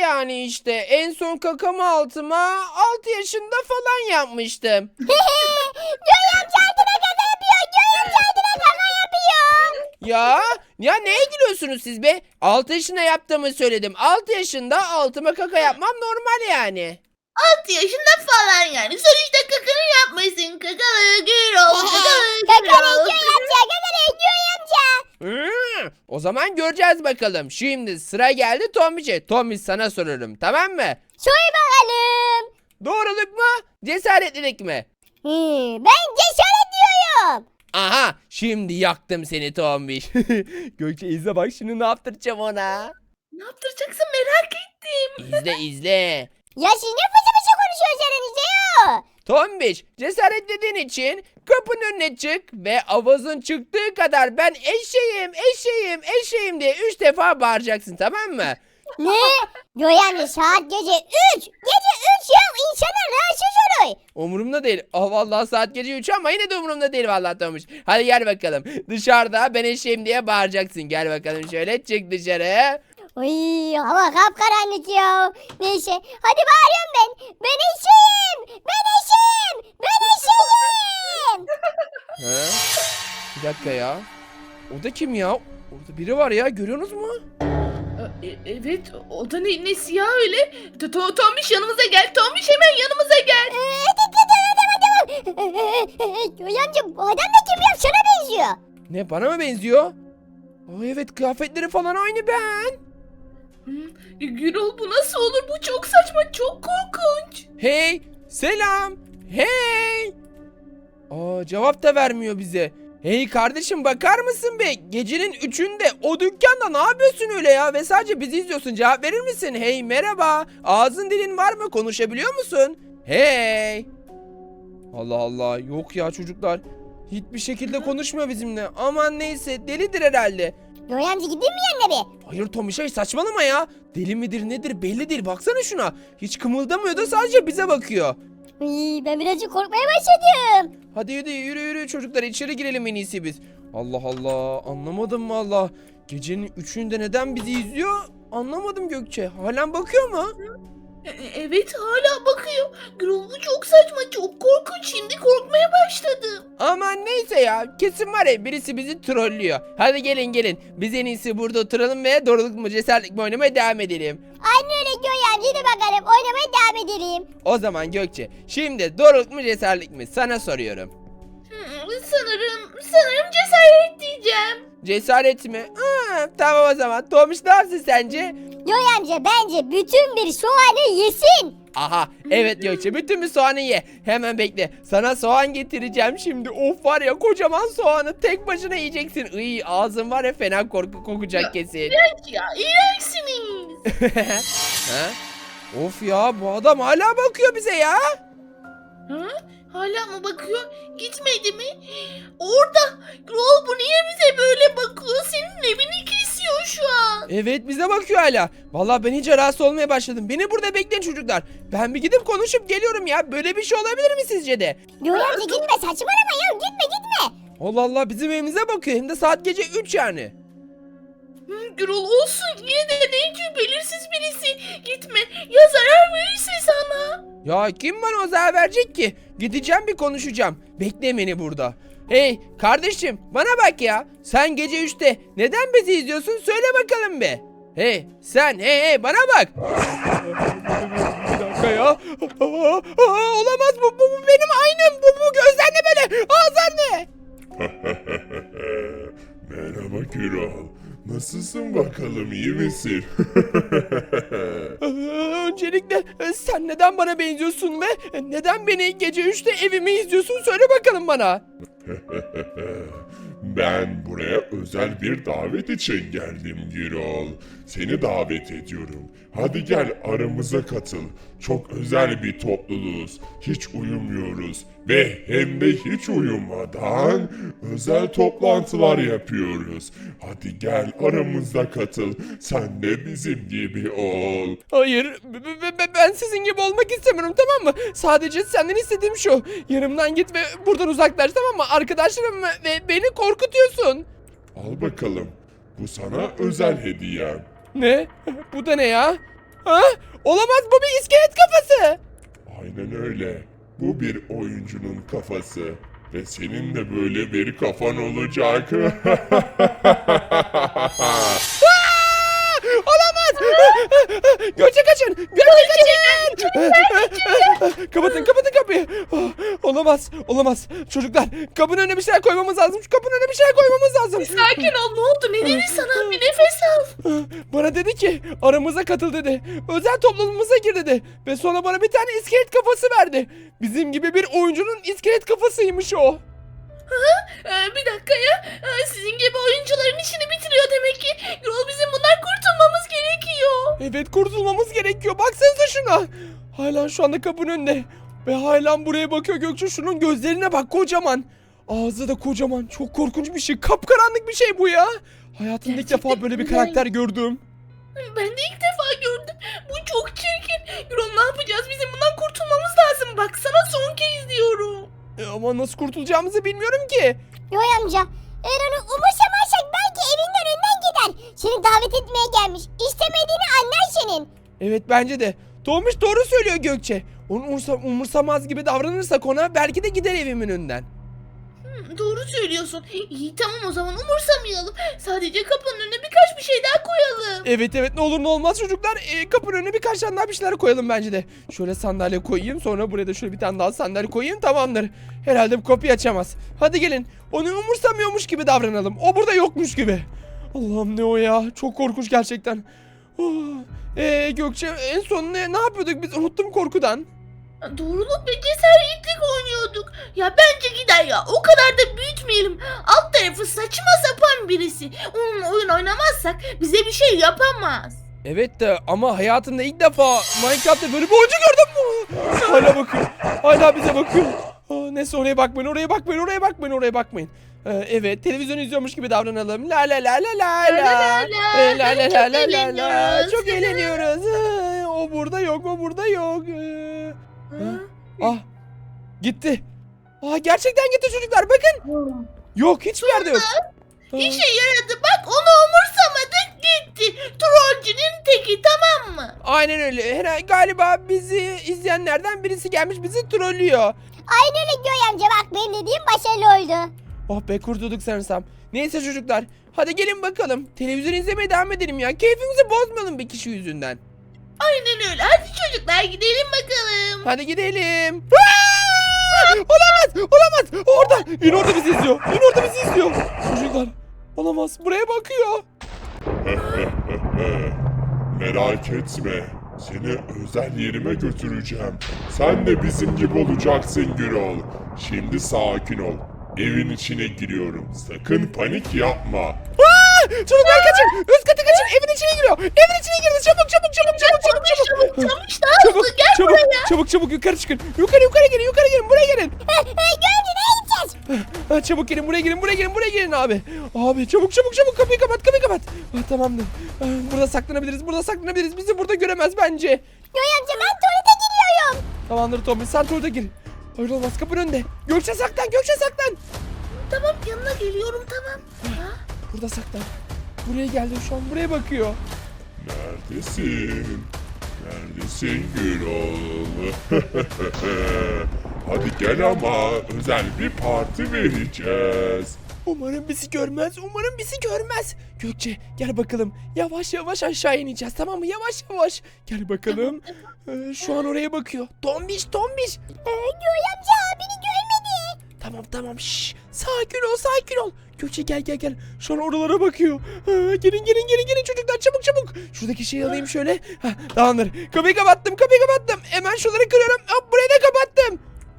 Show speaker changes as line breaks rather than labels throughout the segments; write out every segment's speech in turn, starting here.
yani işte. En son kakamı altıma 6 yaşında falan yapmıştım.
Göğe amca altına kaka yapıyor. Göğe amca altına kaka yapıyor.
Ya neye gülüyorsunuz siz be? 6 yaşında yaptığımı söyledim. 6 yaşında altıma kaka yapmam normal yani.
6 yaşında falan yani. Sonuçta kakanı yapmışsın. Kakalı Gürol. Kakalı
Kakalı
Gürol.
Göğe amca. Kakalı Göğe amca.
O zaman göreceğiz bakalım. Şimdi sıra geldi Tombiş'e. Tombiş sana soruyorum, tamam mı?
Soy bakalım.
Doğruluk mu? Cesaretlilik mi?
Ben cesaret diyorum.
Aha, şimdi yaktım seni Tombiş. Gökçe izle bak, şimdi ne yaptıracağım ona.
Ne yaptıracaksın merak ettim.
İzle.
Ya siz ne fıçı fıçı konuşuyorsunuz aranızda ya?
Tombiş, cesaretlediğin için kapının önüne çık ve avazın çıktığı kadar ben eşeğim diye 3 defa bağıracaksın, tamam mı?
Ne? Göğe amca saat gece 3. Gece 3 ya insanlar rahatsız olur.
Umurumda değil. Oh vallahi saat gece 3 ama yine de umurumda değil vallahi Tombiş. Hadi gel bakalım. Dışarıda ben eşeğim diye bağıracaksın. Gel bakalım şöyle, çık dışarı.
Ay hava kapkaranlık ya. Neyse hadi bağırıyorum ben. Ben eşeğim. Ben eşeğim. Ben eşeğim.
Ha? Bir dakika ya. O da kim ya? Orada biri var ya, görüyorsunuz mu?
Evet o da nesi ya öyle? Tombiş yanımıza gel. Tombiş hemen yanımıza gel.
Göğe amca bu adam da kim ya? Sana benziyor.
Ne, bana mı benziyor? Aa, evet, kıyafetleri falan aynı ben.
Gürol bu nasıl olur? Bu çok saçma. Çok korkunç.
Hey, selam. Hey. Aa, cevap da vermiyor bize. Hey kardeşim, bakar mısın be? Gecenin 3'ünde o dükkanda ne yapıyorsun öyle ya? Ve sadece bizi izliyorsun. Cevap verir misin? Hey, merhaba. Ağzın dilin var mı? Konuşabiliyor musun? Hey. Allah Allah. Yok ya çocuklar. Hiçbir şekilde konuşmuyor bizimle. Aman neyse, delidir herhalde.
Göğe amca gideyim mi yanına bir?
Hayır Tomişay, saçmalama ya. Deli midir nedir belli değil. Baksana şuna. Hiç kımıldamıyor da sadece bize bakıyor.
Ay, ben birazcık korkmaya başladım.
Hadi yürü çocuklar, içeri girelim en iyisi biz. Allah Allah, anlamadım valla. Gecenin 3'ünde neden bizi izliyor anlamadım Gökçe. Halen bakıyor mu?
Evet hala bakıyor. Gürol bu çok saçma. Çok korkunç. Şimdi korkmaya başladım.
Aman neyse ya, kesin var ya birisi bizi trollüyor. Hadi gelin, biz en iyisi burada oturalım ve doğruluk mu cesaretlik mi oynamaya devam edelim.
Anne öyle Göğe amca hadi bakalım oynamaya devam edelim.
O zaman Gökçe, şimdi doğruluk mu cesaretlik mi sana soruyorum.
Sanırım cesaret diyeceğim.
Cesaret mi? Tamam o zaman. Tomiş ne yapsın sence?
Göğe amca bence bütün bir soğanı yesin.
Aha, evet Gökçe, bütün bir soğanı ye. Hemen bekle. Sana soğan getireceğim şimdi. Of, var ya, kocaman soğanı tek başına yiyeceksin. Iy, ağzın var ya fena kokacak kesin.
İğrenç ya. İğrençsiniz.
Ha? Of ya, bu adam hala bakıyor bize ya.
Ha? Hala mı bakıyor? Gitmedi mi? Orada. Gürol bu niye bize böyle bakıyor? Senin evini kesiyor şu an.
Evet, bize bakıyor hala. Vallahi ben iyice rahatsız olmaya başladım. Beni burada bekleyin çocuklar. Ben bir gidip konuşup geliyorum ya. Böyle bir şey olabilir mi sizce de?
Göğe amca gitme saçmalama ya gitme.
Allah Allah, bizim evimize bakıyor. Hem de saat gece 3 yani.
Gürol olsun. Yine de ne belirsiz birisi. Gitme. Ya zarar verirse sana.
Ya kim bana o zarar verecek ki? Gideceğim, bir konuşacağım. Bekle beni burada. Hey kardeşim, bana bak ya. Sen gece 3'te neden bizi izliyorsun? Söyle bakalım be. Hey sen, hey bana bak. Bir dakika ya. Olamaz, bu benim aynım. Bu gözler ne böyle? Ağızlar ne?
Merhaba Gürol. Nasılsın bakalım, iyi misin?
Öncelikle sen neden bana benziyorsun ve neden beni gece 3'te evimi izliyorsun? Söyle bakalım bana.
Ben buraya özel bir davet için geldim Gürol. Seni davet ediyorum. Hadi gel aramıza katıl. Çok özel bir topluluğuz. Hiç uyumuyoruz. Ve hem de hiç uyumadan özel toplantılar yapıyoruz. Hadi gel aramıza katıl. Sen de bizim gibi ol.
Hayır, ben sizin gibi olmak istemiyorum, tamam mı? Sadece senden istediğim şu. Yanımdan git ve buradan uzaklaş, tamam mı? Arkadaşlarım ve beni korkutuyorsun.
Al bakalım. Bu sana özel hediyem.
Ne? Bu da ne ya? Ha? Olamaz, bu bir iskelet kafası.
Aynen öyle. Bu bir oyuncunun kafası. Ve senin de böyle bir kafan olacak.
Olamaz. Gökçe kaçın. Gökçe kaçın. Kapatın kapıyı. Olamaz. Olamaz. Çocuklar, kapının önüne bir şeyler koymamız lazım. Şu kapının önüne bir şeyler koymamız lazım.
Sakin ol, ne oldu? Ne dedi sana? Bir nefes al.
Bana dedi ki aramıza katıl dedi. Özel topluluğumuza gir dedi. Ve sonra bana bir tane iskelet kafası verdi. Bizim gibi bir oyuncunun iskelet kafasıymış o.
Bir dakika ya. Sizin gibi oyuncuların işini bitiriyor demek ki. Gürol, bizim bundan kurtulmamız gerekiyor.
Evet, kurtulmamız gerekiyor. Baksanıza şuna. Hala şu anda kapının önünde. Ve hala buraya bakıyor Gökçe. Şunun gözlerine bak, kocaman. Ağzı da kocaman. Çok korkunç bir şey. Kapkaranlık bir şey bu ya. Hayatımda ilk defa böyle bir karakter gördüm.
Ben de ilk defa gördüm. Bu çok çirkin. Gürol, ne yapacağız? Bizim bundan kurtulmamız lazım. Baksana, son kez diyorum.
Ama nasıl kurtulacağımızı bilmiyorum ki.
Yoy amca, eğer onu umursamazsak belki evinin önünden gider. Seni davet etmeye gelmiş. İstemediğini anlar senin.
Evet, bence de. Tomuş doğru söylüyor Gökçe. Onu umursamaz gibi davranırsak ona belki de gider evimin önünden.
Doğru söylüyorsun. İyi, tamam, o zaman umursamayalım. Sadece kapının önüne birkaç bir şey daha koyalım.
Evet, ne olur ne olmaz çocuklar. Kapının önüne birkaç tane daha bir şeyler koyalım bence de. Şöyle sandalye koyayım, sonra buraya da şöyle bir tane daha sandalye koyayım, tamamdır. Herhalde bu kapıyı açamaz. Hadi gelin, onu umursamıyormuş gibi davranalım. O burada yokmuş gibi. Allah'ım, ne o ya? Çok korkunç gerçekten. Gökçe, en son ne yapıyorduk biz? Unuttum korkudan.
Doğruluk ve cesaretlik oynuyorduk. Ya bence gider ya. O kadar da büyütmeyelim. Alt tarafı saçma sapan birisi. Onunla oyun oynamazsak bize bir şey yapamaz.
Evet de ama hayatımda ilk defa Minecraft'ta böyle bir oyuncu gördüm. Hala bakıyor. Hala bize bakıyor. Neyse, oraya bakmayın. Evet, televizyon izliyormuş gibi davranalım. La la la la la la. La la la la la la. Çok eğleniyoruz. O burada yok. Gitti. Gerçekten gitti çocuklar, bakın. Yok, hiçbir yerde yok.
İşe yaradı, bak, onu umursamadık, gitti. Trollcünün teki, tamam mı?
Aynen öyle. Galiba bizi izleyenlerden birisi gelmiş bizi trollüyor.
Aynen öyle Yoy amca, bak benim dediğim başarılı oldu.
Oh be, kurtulduk sanırsam. Neyse çocuklar, hadi gelin bakalım. Televizyon izlemeye devam edelim ya. Keyfimizi bozmayalım bir kişi yüzünden.
Aynen öyle. Hadi çocuklar, gidelim bakalım.
Hadi gidelim. Olamaz. Orada. Yine orada bizi izliyor. Çocuklar, olamaz. Buraya bakıyor.
Merak etme. Seni özel yerime götüreceğim. Sen de bizim gibi olacaksın Gürol. Şimdi sakin ol. Evin içine giriyorum. Sakın panik yapma.
Çocuklar kaçın. Üst katı kaçın. Evin içine giriyor. Evin içine girdi. Çabuk. Çabuk yukarı çıkın. Yukarı gelin. Buraya gelin.
Gördün, ne gideceğiz?
Çabuk gelin, buraya gelin abi. Abi çabuk kapıyı kapat. Tamamdır. Burada saklanabiliriz. Bizi burada göremez bence.
Yoy amca, ben tuvalete giriyorum.
Tamamdır Tommy, sen tuvalete gir. Hayır olmaz, kapının önünde. Gökçe saklan.
Tamam, yanına geliyorum, tamam.
Burada saklan. Buraya geldi, şu an buraya bakıyor.
Neredesin Gürol? Hadi gel ama özel bir parti vereceğiz.
Umarım bizi görmez. Gökçe, gel bakalım. Yavaş aşağı ineceğiz, tamam mı? Yavaş. Gel bakalım. Şu an oraya bakıyor. Tombiş.
Yoy amca, beni görmedi.
Tamam. Şşş. Sakin ol. Gökçe gel. Şu an oralara bakıyor. Gelin çocuklar, çabuk. Şuradaki şeyi alayım şöyle. Tamamdır. Kapıyı kapattım. Hemen şunları kırıyorum. Hop, burayı da kapattım.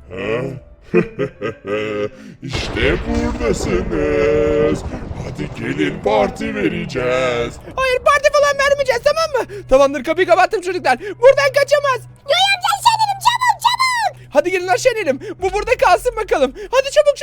İşte buradasınız. Hadi gelin parti vereceğiz.
Hayır, parti falan vermeyeceğiz, tamam mı? Tamamdır, kapıyı kapattım çocuklar. Buradan kaçamaz.
Yoy amca, aşağı inelim, çabuk.
Hadi gelin aşağı inelim. Bu burada kalsın bakalım. Hadi çabuk.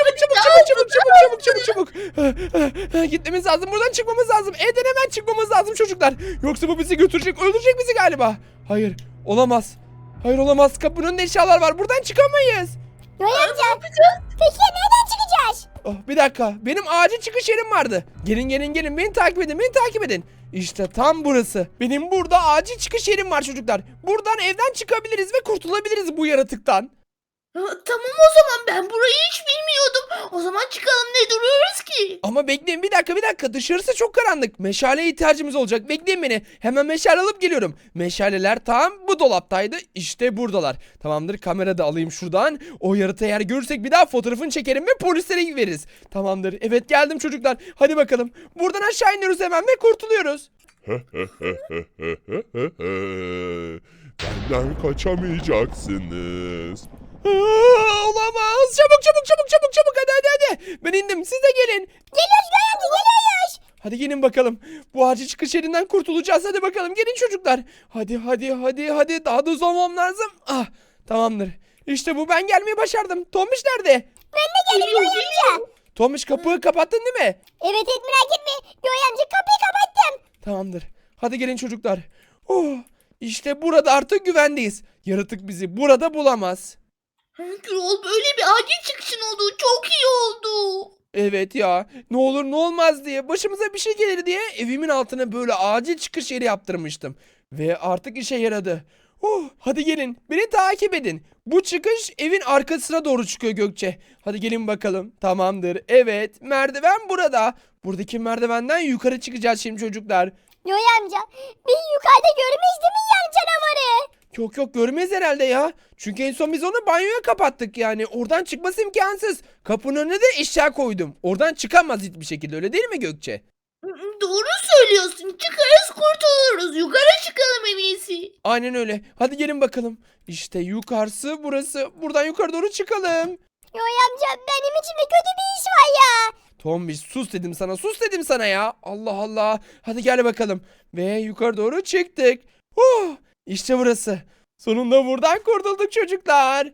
Gitmemiz lazım. Buradan çıkmamız lazım. Evden hemen çıkmamız lazım çocuklar. Yoksa bu bizi götürecek, öldürecek bizi galiba. Hayır, olamaz. Kapının önünde eşyalar var. Buradan çıkamayız.
Yoy amca, peki ya nereden çıkacağız? Tomuş.
Oh, bir dakika. Benim acil çıkış yerim vardı. Gelin gelin gelin. Beni takip edin. Beni takip edin. İşte tam burası. Benim burada acil çıkış yerim var çocuklar. Buradan evden çıkabiliriz ve kurtulabiliriz bu yaratıktan.
Tamam o zaman ben burayı hiç bilmiyordum. O zaman çıkalım ne duruyoruz ki?
Ama bekleyin bir dakika. Dışarısı çok karanlık. Meşaleye ihtiyacımız olacak. Bekleyin beni. Hemen meşale alıp geliyorum. Meşaleler tam bu dolaptaydı. İşte buradalar. Tamamdır, kamera da alayım şuradan. O yaratığı eğer görürsek bir daha fotoğrafını çekerim ve polislere veririz. Tamamdır. Evet, geldim çocuklar. Hadi bakalım. Buradan aşağı iniyoruz hemen ve kurtuluyoruz.
Benden kaçamayacaksınız.
Olamaz. Çabuk. Hadi. Ben indim. Siz de gelin.
Geliyoruz Göğe amca geliyoruz.
Hadi gelin bakalım. Bu acil çıkış yerinden kurtulacağız. Hadi bakalım. Gelin çocuklar. Hadi. Daha da uzamam lazım. Ah, tamamdır. İşte bu, ben gelmeyi başardım. Tomiş nerede?
Ben de geldim Göğe amca.
Tomiş, kapıyı kapattın değil mi?
Evet merak etme. Göğe amca kapıyı kapattım.
Tamamdır. Hadi gelin çocuklar. İşte burada artık güvendeyiz. Yaratık bizi burada bulamaz.
Gürol, böyle bir acil çıkışın olduğu çok iyi oldu.
Evet ya, ne olur ne olmaz diye, başımıza bir şey gelir diye evimin altına böyle acil çıkış yeri yaptırmıştım. Ve artık işe yaradı. Hadi gelin, beni takip edin. Bu çıkış evin arkasına doğru çıkıyor Gökçe. Hadi gelin bakalım. Tamamdır. Evet, merdiven burada. Buradaki merdivenden yukarı çıkacağız şimdi çocuklar.
Göğe amca biz yukarıda görmeyiz değil mi yan canavarı?
Yok, görmez herhalde ya. Çünkü en son biz onu banyoya kapattık yani. Oradan çıkması imkansız. Kapının önüne de eşya koydum. Oradan çıkamaz hiçbir şekilde, öyle değil mi Gökçe?
Doğru söylüyorsun. Çıkarız kurtuluruz. Yukarı çıkalım en iyisi.
Aynen öyle. Hadi gelin bakalım. İşte yukarısı burası. Buradan yukarı doğru çıkalım.
Göğe amca benim içimde kötü bir iş var ya.
Tombiş, sus dedim sana ya. Allah Allah. Hadi gel bakalım. Ve yukarı doğru çıktık. İşte burası. Sonunda buradan kurtulduk çocuklar.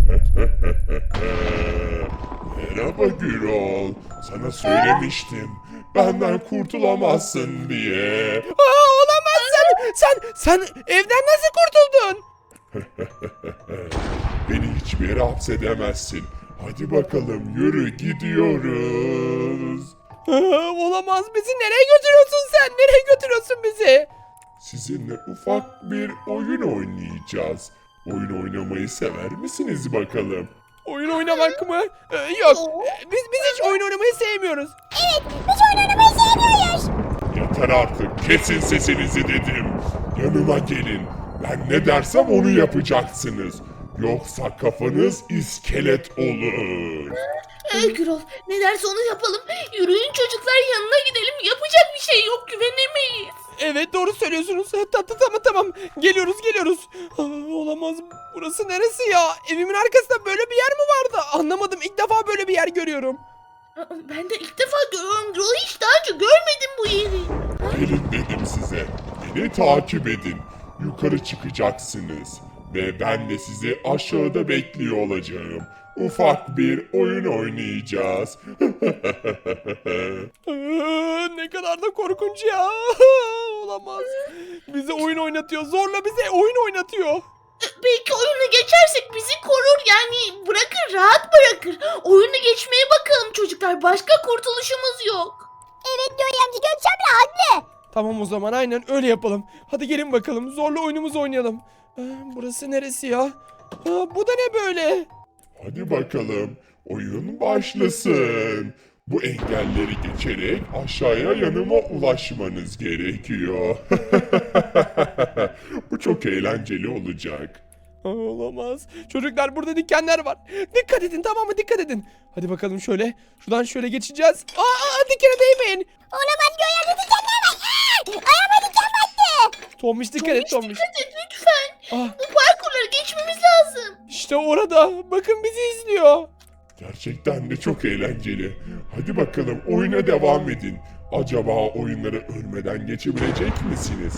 Merhaba Gürol. Sana söylemiştim. Benden kurtulamazsın diye.
Olamaz sen evden nasıl kurtuldun?
Beni hiçbir yere hapsedemezsin. Hadi bakalım yürü, gidiyoruz.
Olamaz, bizi nereye götürüyorsun sen? Nereye götürüyorsun bizi?
Sizinle ufak bir oyun oynayacağız. Oyun oynamayı sever misiniz bakalım?
Oyun oynamak mı? Yok. Biz hiç oyun oynamayı sevmiyoruz.
Biz oyun oynamayı sevmiyoruz.
Yeter artık, kesin sesinizi dedim. Yanıma gelin. Ben ne dersem onu yapacaksınız. Yoksa kafanız iskelet olur.
Gürol, ne derse onu yapalım. Yürüyün çocuklar, yanına gidelim. Yapacak bir şey yok, güvenemeyiz.
Evet, doğru söylüyorsunuz. Tamam. Geliyoruz. Olamaz. Burası neresi ya? Evimin arkasında böyle bir yer mi vardı? Anlamadım. İlk defa böyle bir yer görüyorum.
Ben de ilk defa görüyorum Gürol. Hiç daha önce görmedim bu yeri.
Gelin dedim size. Beni takip edin. Yukarı çıkacaksınız. Ve ben de sizi aşağıda bekliyor olacağım. Ufak bir oyun oynayacağız.
Ne kadar da korkunç ya. Olamaz. Bize oyun oynatıyor. Zorla bize oyun oynatıyor.
Belki oyunu geçersek bizi korur, yani bırakır, rahat bırakır. Oyunu geçmeye bakalım çocuklar. Başka kurtuluşumuz yok.
Evet Göğe amca Gökçe abla haklı.
Tamam, o zaman aynen öyle yapalım. Hadi gelin bakalım. Zorla oyunumuzu oynayalım. Burası neresi ya? Bu da ne böyle?
Hadi bakalım. Oyun başlasın. Bu engelleri geçerek aşağıya yanıma ulaşmanız gerekiyor. Bu çok eğlenceli olacak.
Olamaz. Çocuklar, burada dikenler var. Dikkat edin, tamam mı? Dikkat edin. Hadi bakalım şöyle. Şuradan şöyle geçeceğiz. Dikene değmeyin.
Olamaz Göğe amca dikenler var. Ayağıma diken battı.
Tombiş, dikkat et Tombiş.
Dikkat et lütfen.
Ah,
Bu parkurları geçmemiz lazım.
işte orada. Bakın, bizi izliyor.
Gerçekten de çok eğlenceli. Hadi bakalım oyuna devam edin. Acaba oyunları ölmeden geçebilecek misiniz?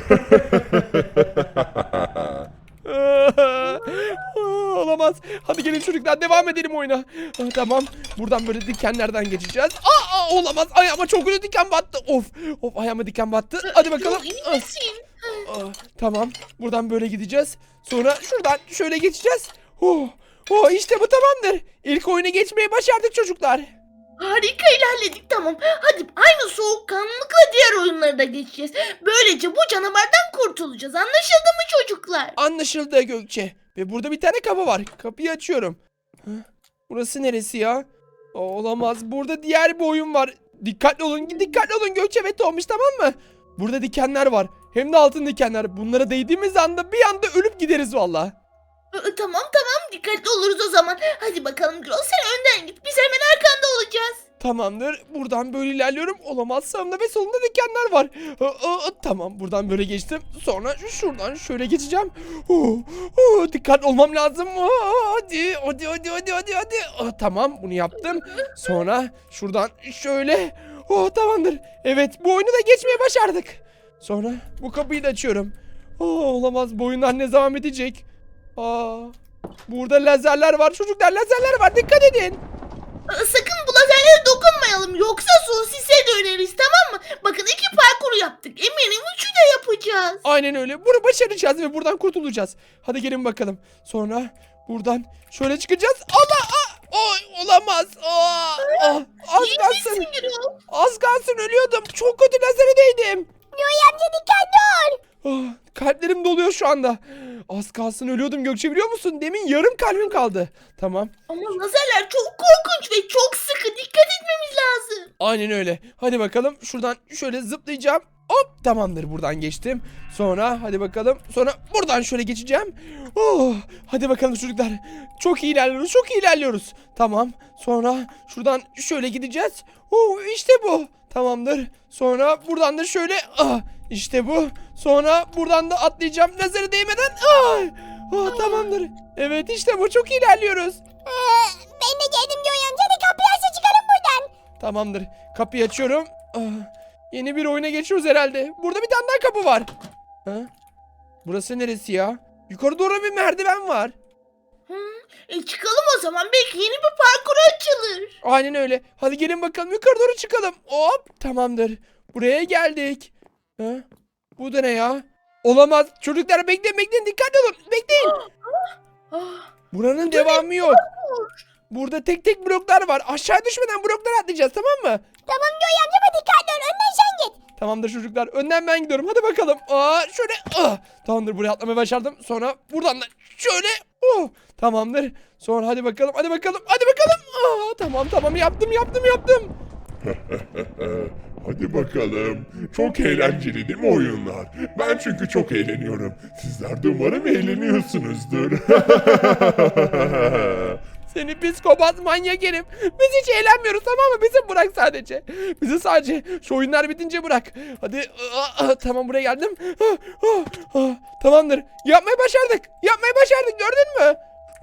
Olamaz. Hadi gelin çocuklar, devam edelim oyuna. Tamam. Buradan böyle dikenlerden geçeceğiz. Olamaz. Ayağıma çok kötü diken battı. Of, ayağıma diken battı. Hadi bakalım.
İyi misin?
Tamam. Buradan böyle gideceğiz. Sonra şuradan şöyle geçeceğiz. Oh işte bu tamamdır. İlk oyunu geçmeyi başardık çocuklar.
Harika ilerledik, tamam. Hadi aynı soğukkanlılıkla diğer oyunları da geçeceğiz. Böylece bu canavardan kurtulacağız. Anlaşıldı mı çocuklar?
Anlaşıldı Gökçe. Ve burada bir tane kapı var. Kapıyı açıyorum. Hı? Burası neresi ya? Olamaz. Burada diğer bir oyun var. Dikkatli olun. Dikkatli olun Gökçe ve Tomuş, tamam mı? Burada dikenler var. Hem de altın dikenler. Bunlara değdiğimiz anda bir anda ölüp gideriz valla.
Tamam tamam, dikkatli oluruz o zaman. Hadi bakalım Gürol, sen önden git. Biz hemen arkanda olacağız.
Tamamdır. Buradan böyle ilerliyorum. Olamaz. Sağımda ve solumda dikenler var. Tamam. Buradan böyle geçtim. Sonra şuradan şöyle geçeceğim. Dikkatli olmam lazım. Hadi. Tamam. Bunu yaptım. Sonra şuradan şöyle. Tamamdır. Evet. Bu oyunu da geçmeye başardık. Sonra bu kapıyı da açıyorum. Olamaz. Bu oyunlar ne zaman bitecek? Burada lazerler var. Çocuklar, lazerler var. Dikkat edin.
Sakın bu lazerlere dokunmayalım. Yoksa sosise döneriz, tamam mı? Bakın, iki parkuru yaptık. Eminim üçü de yapacağız.
Aynen öyle. Bunu başaracağız ve buradan kurtulacağız. Hadi gelin bakalım. Sonra buradan şöyle çıkacağız. Allah! Olamaz. Az
İyi
kalsın.
misin Gürol?
Az kalsın ölüyordum. Çok kötü lazere değdim.
Yoy amca dikkatli ol.
Kalplerim doluyor şu anda. Az kalsın ölüyordum Gökçe, biliyor musun? Demin yarım kalbim kaldı. Tamam.
Ama lazerler çok korkunç ve çok sıkı. Dikkat etmemiz lazım.
Aynen öyle. Hadi bakalım şuradan şöyle zıplayacağım. Hop, tamamdır, buradan geçtim. Sonra hadi bakalım. Sonra buradan şöyle geçeceğim. Hadi bakalım çocuklar. Çok iyi ilerliyoruz. Çok iyi ilerliyoruz. Tamam. Sonra şuradan şöyle gideceğiz. İşte bu. Tamamdır. Sonra buradan da şöyle. İşte bu. Sonra buradan da atlayacağım. Lazere değmeden. Tamamdır. Evet, işte bu. Çok iyi ilerliyoruz.
Ben de geldim Yoy amca, hadi kapıyı açsa çıkalım buradan.
Tamamdır. Kapıyı açıyorum. Yeni bir oyuna geçiyoruz herhalde. Burada bir tane daha kapı var. Burası neresi ya? Yukarı doğru bir merdiven var.
Çıkalım o zaman. Belki yeni bir parkur açılır.
Aynen öyle. Hadi gelin bakalım, yukarı doğru çıkalım. Hop, tamamdır. Buraya geldik. Bu da ne ya? Olamaz. Çocuklar bekleyin, dikkatli olun. Bekleyin. Buranın devamı yok. Burada tek tek bloklar var. Aşağı düşmeden bloklara atlayacağız, tamam mı?
Tamam Yoy amca, ama dikkatli ol, önden sen git.
Tamamdır çocuklar. Önden ben gidiyorum. Hadi bakalım. Şöyle. Tamamdır, buraya atlamayı başardım. Sonra buradan da şöyle. Tamamdır. Sonra hadi bakalım. Tamam. Yaptım.
Hadi bakalım. Çok eğlenceli değil mi oyunlar? Ben çünkü çok eğleniyorum. Sizler de umarım eğleniyorsunuzdur.
Seni psikopat manyak herif. Biz hiç eğlenmiyoruz, tamam mı? Bizi bırak sadece. Bizi sadece şu oyunlar bitince bırak. Hadi. Tamam, buraya geldim. Tamamdır. Yapmayı başardık. Gördün mü?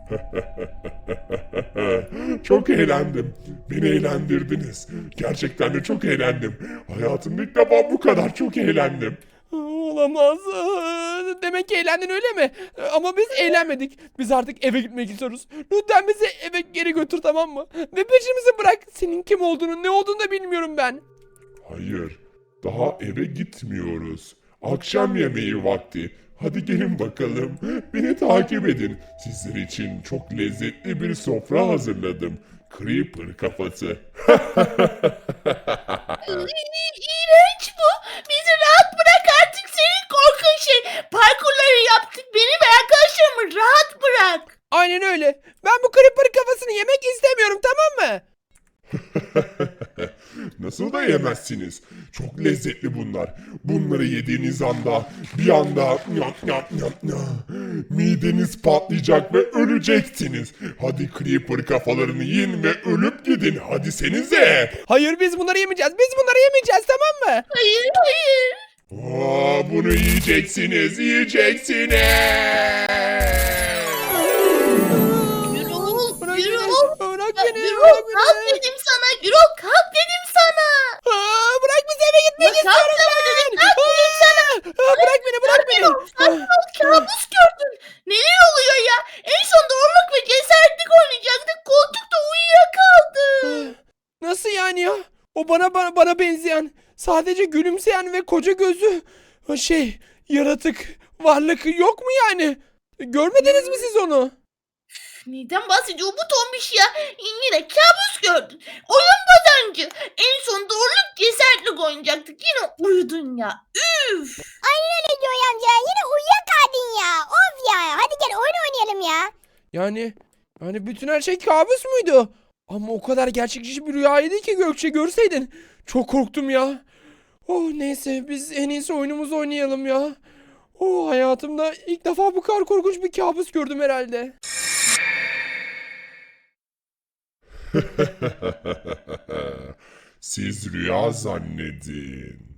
Çok eğlendim. Beni eğlendirdiniz. Gerçekten de çok eğlendim. Hayatımda ilk defa bu kadar çok eğlendim.
Olamaz. Demek ki eğlendin, öyle mi? Ama biz eğlenmedik. Biz artık eve gitmek istiyoruz. Lütfen bizi eve geri götür, tamam mı? Ve peşimizi bırak. Senin kim olduğunu, ne olduğunu da bilmiyorum ben.
Hayır. Daha eve gitmiyoruz. Akşam yemeği vakti. Hadi gelin bakalım. Beni takip edin. Sizler için çok lezzetli bir sofra hazırladım. Creeper kafası.
İğrenç bu. Bizi rahat bırak artık, senin korkunç şey. Parkurları yaptık. Beni ve arkadaşlarımı rahat bırak.
Aynen öyle. Ben bu creeper kafasını yemek istemiyorum, tamam mı?
Nasıl da yemezsiniz? Çok lezzetli bunlar. Bunları yediğiniz anda bir anda mideniz patlayacak ve öleceksiniz. Hadi creeper kafalarını yiyin ve ölüp gidin. Hadi senize.
Hayır, biz bunları yemeyeceğiz. Tamam mı?
Hayır.
Bunu yiyeceksiniz.
Gürol.
Bırak beni.
Gürol, kalk dedim sana. Gürol, kalk dedim sana.
Bırak bizi, eve gitmek
Kalk
istiyorum
dedim,
ben.
kalk dedim sana.
Bırak beni.
Sakin ol, kabus gördün. Neler oluyor ya? En son doğruluk ve cesaretlik oynayacaktık. Koltukta uyuyakaldı.
Nasıl yani ya? O bana benzeyen, sadece gülümseyen ve koca gözlü yaratık varlık yok mu yani? Görmediniz mi siz onu?
Neden bahsediyor bu tombiş ya? Yine kabus gördün. Oyun bozancı. En son doğruluk cesaretlik oynayacaktık. Yine uyudun ya. Üf.
Aynen öyle diyor amca. Yine uyuyakaldın ya. Of ya. Hadi gel oyun oynayalım ya.
Yani bütün her şey kabus muydu? Ama o kadar gerçekçi bir rüyaydı ki Gökçe, görseydin. Çok korktum ya. Oh neyse, biz en iyisi oyunumuzu oynayalım ya. Oh, hayatımda ilk defa bu kadar korkunç bir kabus gördüm herhalde.
Siz rüya zannedin.